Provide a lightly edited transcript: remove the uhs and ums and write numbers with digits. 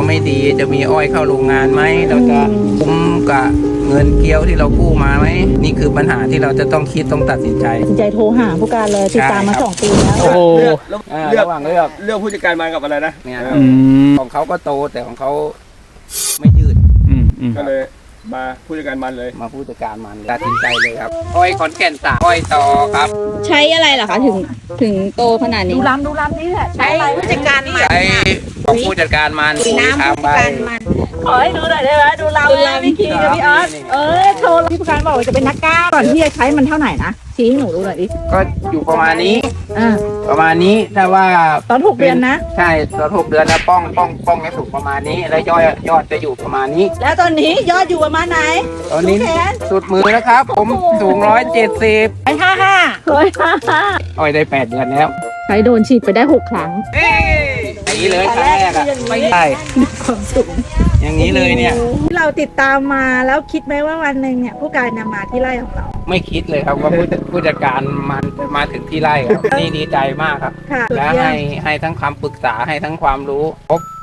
ไม่ดีจะมีอ้อยเข้าโรงงานไหมเราจะคุ้มกับเงินเกี้ยวที่เรากู้มาไหมนี่คือปัญหาที่เราจะต้องคิดต้องตัดสินใจตัดสินใจโทรหาผู้การเลยติดตามมาใช่ครับ 2 ปีแล้วโอ้โหระหว่างเลือกเลือกผู้จัดการมากับอะไรนะเนี่ยอืมของเขาก็โตแต่ของเขาไม่ยืดอืมก็เลยมาผู้จัดการมันเลยมาผู้จัดการมันตัดสินใจเลยครับอ้อยขอนแก่น3อ้อยต่อครับใช้อะไรล่ะคะถึงโตขนาดนี้ดูลำนี่แหละใช้ผู้จัดการมันใช้ของผู้จัดการมันปุ๋ยน้ำทางผู้ใบจัดการมันขอให้ดูหน่อยได้ไหมดูลำพี่คิงกับพี่ออสโทรพี่ผู้การบอกว่าจะเป็นนักกล้ามก่อนที่จะใช้มันเท่าไหร่นะชี้ให้หนูดูหน่อยดิก็อยู่ประมาณนี้อ่าประมาณนี้ถ้าว่าตอน6 เดือนนะใช่ตอน6 เดือนแล้วป้องจะสูงประมาณนี้ แล้วยอดจะอยู่ประมาณนี้แล้วตอนนี้ยอดอยู่ประมาณไหนตอนนี้แขนสุดมือแล้วครับ ผมสูง170 155 อ้อยได้8 เดือนแล้วใช้โดนฉีดไปได้6 ครั้งอย่างนี้เลยครั้งแรกอ่ะไม่ใช่ความสุขอย่างนี้เลยเนี่ยที่เราติดตามมาแล้วคิดไหมว่าวันหนึ่งเนี่ยผู้การจะมาที่ไร่ของเราไม่คิดเลยครับว่าผู้จัดการมันจะมาถึงที่ไร่ครับ นี่ดีใจมากครับค่ะและให้ทั้งคำปรึกษาให้ทั้งความรู้ครบ